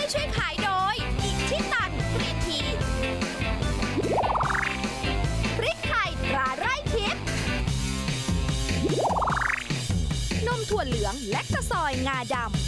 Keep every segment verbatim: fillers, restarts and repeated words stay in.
ช่วยขายโดยอิชิตันกรีนทีพริกไทยตราไร่ทิพย์นมถั่วเหลืองและตะซอยงาดำ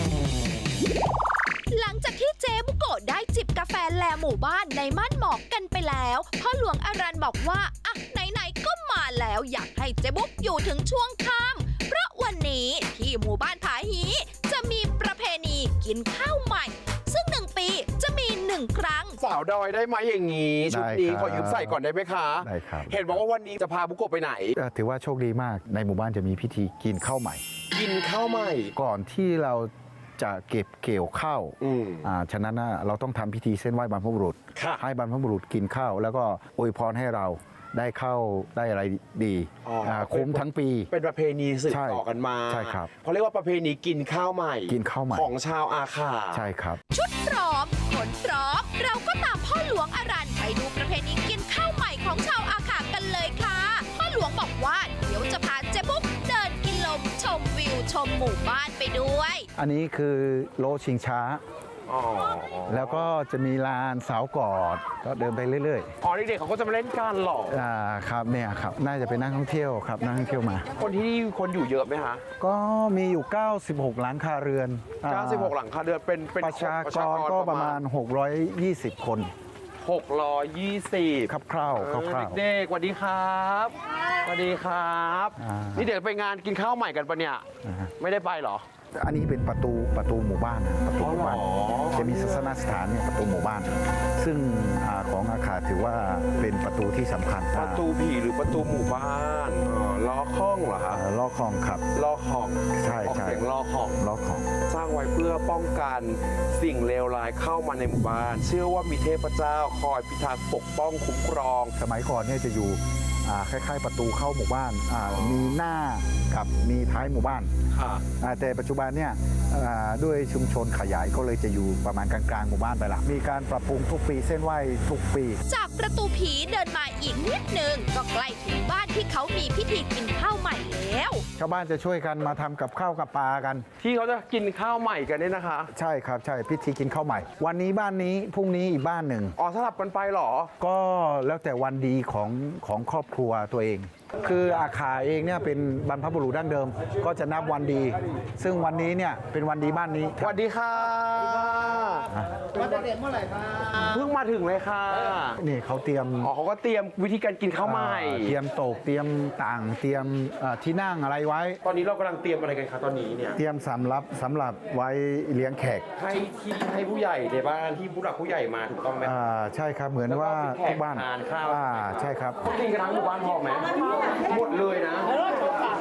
หลังจากที่เจ๊บุโกะได้จิบกาแฟแลหมู่บ้านในม่านหมอกกันไปแล้วพ่อหลวงอารันบอกว่าอ่ะไหนๆก็มาแล้วอยากให้เจ๊บุกอยู่ถึงช่วงค่ำเพราะวันนี้ที่หมู่บ้านผาฮีจะมีประเพณีกินข้าวใหม่ซึ่งหนึ่งปีจะมีหนึ่งครั้งสาวดอยได้ไหมอย่างนี้ชุดนี้ขอยืมใส่ก่อนได้ไหมคะได้ครับเห็นบอกว่าวันนี้จะพาบุโกะไปไหนถือว่าโชคดีมากในหมู่บ้านจะมีพิธีกินข้าวใหม่กินข้าวใหม่ก่อนที่เราจะเก็บเกี่ยวข้าวอ่าฉะนั้นนะเราต้องทำพิธีเส้นไหว้บรรพบุรุษให้บรรพบุรุษกินข้าวแล้วก็อวยพรให้เราได้เข้าได้อะไรดีคุ้มทั้งปีเป็นประเพณีสืบต่อกันมาใช่ครับเขาเรียกว่าประเพณีกินข้าวใหม่กินข้าวใหม่ของชาวอาขาใช่ครับชุดพร้อมขนพร้อมเราก็ตามพ่อหลวงอารันไปดูประเพณีกินข้าวใหม่ของชาวอาขากันเลยค่ะพ่อหลวงบอกว่าเดี๋ยวจะพาเจ๊บุ๊กเดินกินลมชมวิวชมหมู่บ้านไปด้วยอันนี้คือโลชิงช้าแล้วก็จะมีลานสาวกอดก็เดินไปเรื่อยๆอ๋อเด็กๆเขาก็จะมาเล่นกันหรออ่าครับเนี่ยครับน่าจะเป็นนักท่องเที่ยวครับนักท่องเที่ยวมาคนที่นี่คนอยู่เยอะไหมคะก็มีอยู่เก้าสิบหกหลังคาเรือนเก้าสิบหกหลังคาเรือนเป็นประชากรก็ประมาณหกร้อยยี่สิบคนหกร้อยยี่สิบครับคร่าวคร่าวเด็กๆสวัสดีครับสวัสดีครับนี่เดี๋ยวไปงานกินข้าวใหม่กันปะเนี่ยไม่ได้ไปหรออันนี้เป็นประตูประตูหมู่บ้านประตูหมู่บ้านจะมีศาสนสถานเนี่ยประตูหมู่บ้านซึ่งของอาคาถือว่าเป็นประตูที่สำคัญประตูผีหรือประตูหมู่บ้านล้อข้องเหรอครับล้อข้องครับล้อข้องใช่ใช่เสียงล้อข้องล้อข้องสร้างไว้เพื่อป้องกันสิ่งเลวร้ายเข้ามาในหมู่บ้านเชื่อว่ามีเทพเจ้าคอยพิทักษ์ปกป้องคุ้มครองสมัยก่อนเนี่ยจะอยู่คล้ายๆประตูเข้าหมู่บ้านมีหน้ากับมีท้ายหมู่บ้านแต่ปัจจุบันเนี่ยด้วยชุมชนขยายก็เลยจะอยู่ประมาณกลางๆหมู่บ้านไปละมีการปรับปรุงทุกปีเส้นไหว้ทุกปีจากประตูผีเดินมาอีกนิดนึงก็ใกล้ถึงบ้านที่เขามีพิธีกินข้าวใหม่แล้วชาวบ้านจะช่วยกันมาทำกับข้าวกับปลากันที่เขาจะกินข้าวใหม่กันนี่นะคะใช่ครับใช่พิธีกินข้าวใหม่วันนี้บ้านนี้พรุ่งนี้อีกบ้านหนึ่งอ๋อสลับกันไปหรอก็แล้วแต่วันดีของของครอบครัวตัวเองคืออาขาเองเนี่ยเป็นบรรพบุรุษดั้งเดิมก็จะนับวันดีซึ่งวันนี้เนี่ยเป็นวันดีบ้านนี้สวัสดีค่ะมาจากเด็กเมื่อไหร่คะเพิ่งมาถึงเลยค่ะนี่เขาเตรียมอ๋อเขาก็เตรียมวิธีการกินข้าวใหม่เตรียมโต๊ะเตรียมต่างเตรียมที่นั่งอะไรไว้ตอนนี้เรากำลังเตรียมอะไรกันคะตอนนี้เนี่ยเตรียมสำรับสำหรับไว้เลี้ยงแขกให้ที่ให้ผู้ใหญ่ในบ้านที่ผู้หลักผู้ใหญ่มาถูกต้องไหมอ่าใช่ครับเหมือนว่าทุกบ้านทานข้าวอ่าใช่ครับกินกันทั้งหมู่บ้านพอไหมหมดเลยนะหรอ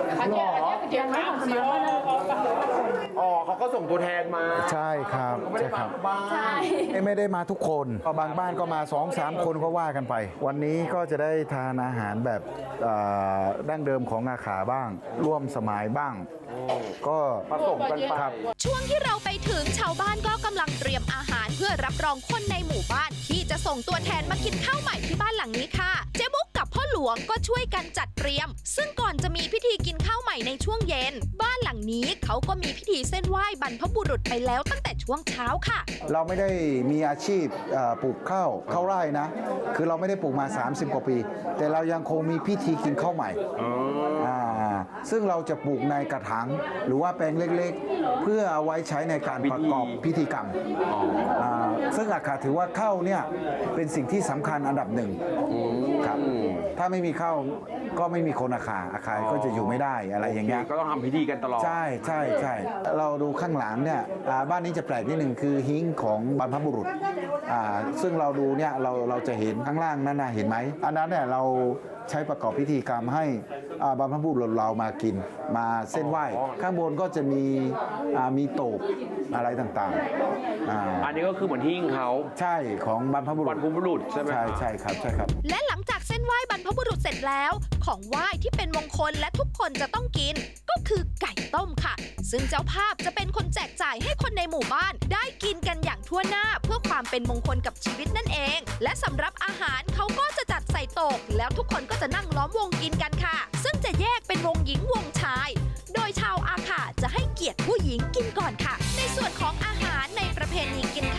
อ๋อเขาก็ส่งตัวแทนมาใช่ครับใช่ครับไม่ได้มาทุกคนบางบ้านก็มา สองสาม คนก็ว่ากันไปวันนี้ก็จะได้ทานอาหารแบบดั้งเดิมของอาขาบ้างร่วมสมัยบ้างก็ผสมกันไปช่วงที่เราไปถึงชาวบ้านก็กำลังเตรียมอาหารเพื่อรับรองคนในหมู่บ้านที่จะส่งตัวแทนมากินข้าวใหม่ที่บ้านหลังนี้ค่ะเจ๊บุ๊กกับพ่อหลวงก็ช่วยกันจัดเตรียมซึ่งก่อนจะมีพิธีกินข้าวใหม่ในช่วงเย็นบ้านหลังนี้เขาก็มีพิธีเส้นไหว้บรรพบุรุษไปแล้วตั้งแต่ช่วงเช้าค่ะเราไม่ได้มีอาชีพปลูกข้าวข้าวไร่นะคือเราไม่ได้ปลูกมาสามสิบกว่าปีแต่เรายังคงมีพิธีกินข้าวใหม่ซึ่งเราจะปลูกในกระถางหรือว่าแปลงเล็กๆเพื่อเอาไว้ใช้ในการประกอบพิธีกรรมซึ่งอาคาถือว่าข้าวเนี่ยเป็นสิ่งที่สำคัญอันดับหนึ่งครับถ้าไม่มีข้าวก็ไม่มีคนอาคาอาคาก็จะอยู่ไม่ได้อะไรอย่างเงี้ยก็ต้องทำพิธีกันตลอดใช่ใช่ใช่เราดูข้างหลังเนี่ยบ้านนี้จะแปลกนิดหนึ่งคือหิ้งของบรรพบุรุษซึ่งเราดูเนี่ยเราเราจะเห็นข้างล่างนั่นนะเห็นไหมอันนั้นเนี่ยเราใช้ประกอบพิธีกรรมให้บรรพบุรุษเรามากินมาเส้นไหว้ข้างบนก็จะมีมีโต๊ะอะไรต่างๆอันนี้ก็คือเหมือนหิ้งเขาใช่ของบรรพบุรุษบรรพบุรุษใช่ไหมใช่ใช่ครับใช่ครับและหลังจากเส้นไหว้บรรพบุรุษเสร็จแล้วของไหว้ที่เป็นมงคลและทุกคนจะต้องกินก็คือไก่ต้มค่ะซึ่งเจ้าภาพจะเป็นคนแจกจ่ายให้คนในหมู่บ้านได้กินกันอย่างทั่วหน้าเพื่อความเป็นมงคลกับชีวิตนั่นเองและสำหรับอาหารเขาก็จะจัดใส่โต๊ะแล้วทุกคนก็จะนั่งล้อมวงกินกันค่ะซึ่งจะแยกเป็นวงหญิงวงชายโดยชาวอาขาจะให้เกียรติผู้หญิงกินก่อนค่ะในส่วนของอาหารในประเพณีกิน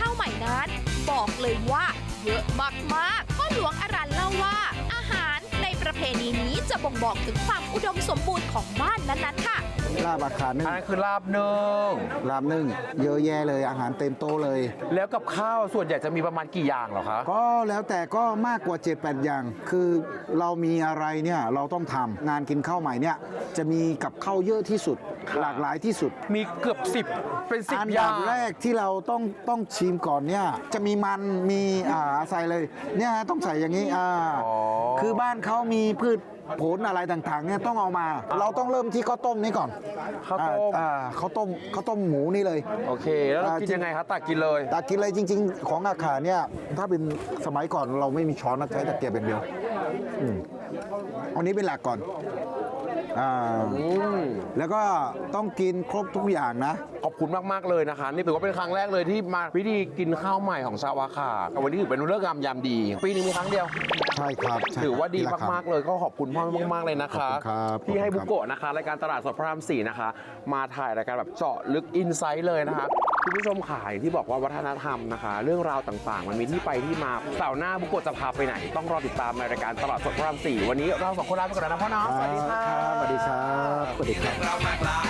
บ่งบอกถึงความอุดมสมบูรณ์ของบ้านนั้นๆค่ะลาบอาคานึ่งอันนั้นคือลาบนึ่งลาบนึ่งเยอะแยะเลยอาหารเต็มโต๊ะเลยแล้วกับข้าวส่วนใหญ่จะมีประมาณกี่อย่างเหรอคะก็แล้วแต่ก็มากกว่า เจ็ดแปด อย่าง คือเรามีอะไรเนี่ยเราต้องทำงานกินข้าวใหม่เนี่ยจะมีกับข้าวเยอะที่สุด หลากหลายที่สุดมีเกือบสิบเป็นสิบอันอย่าดังบแรกที่เราต้องต้องชิมก่อนเนี่ยจะมีมันมีอ่าใส่เลยเนี่ยต้องใส่อย่างนี้อ่าอ๋อคือบ้านเขามีพืชผลอะไรต่างๆเนี่ยต้องเอามา เราต้องเริ่มที่ข้าวต้มนี้ก่อนข้าวต้มอ่าข้าวต้มข้าวต้มหมูนี่เลยโอเค แล้วเราอ่ากินจริงยังไงคะตักกินเลยตากินเลยจริง ๆ ของอาขาเนี่ยถ้าเป็นสมัยก่อนเราไม่มีช้อนนะใช้ตะเกียบเป็นเดียวอืมอันนี้เป็นหลักก่อนอ่าอืมแล้วก็ต้องกินครบทุกอย่างนะขอบคุณมาก ๆ เลยนะคะ นี่ถือว่าเป็นครั้งแรกเลยที่มาพิธีกินข้าวใหม่ของชาวอาขาแต่วันนี้ถือเป็นเรื่องงามยามดี ปีหนึงมีครั้งเดียวใช่ครับใช่ครับถือว่าดีนี่แหละครับมาก ๆ เลยก็ขอบคุณพ่อมาก ๆ เลยนะคะขอบคุณครับที่ให้ขอบคุณครับบุโกะนะคะรายการตลาดสดพระรามสี่นะคะ มาถ่ายรายการแบบเจาะลึกอินไซต์เลยนะคะคุณผู้ชมขายที่บอกว่าวัฒนธรรมนะคะ เรื่องราวต่าง ๆ มันมีที่ไปที่มาเสาร์หน้าบุโกะจะพาไปไหน ต้องรอติดตามในรายการตลาดสดพระรามสี่วันนี้เราสองคนลาไปก่อนนะพ่อเนาะสวัสดีค่ะสวัสดีครับสวัสดีครับเราหลากหลาย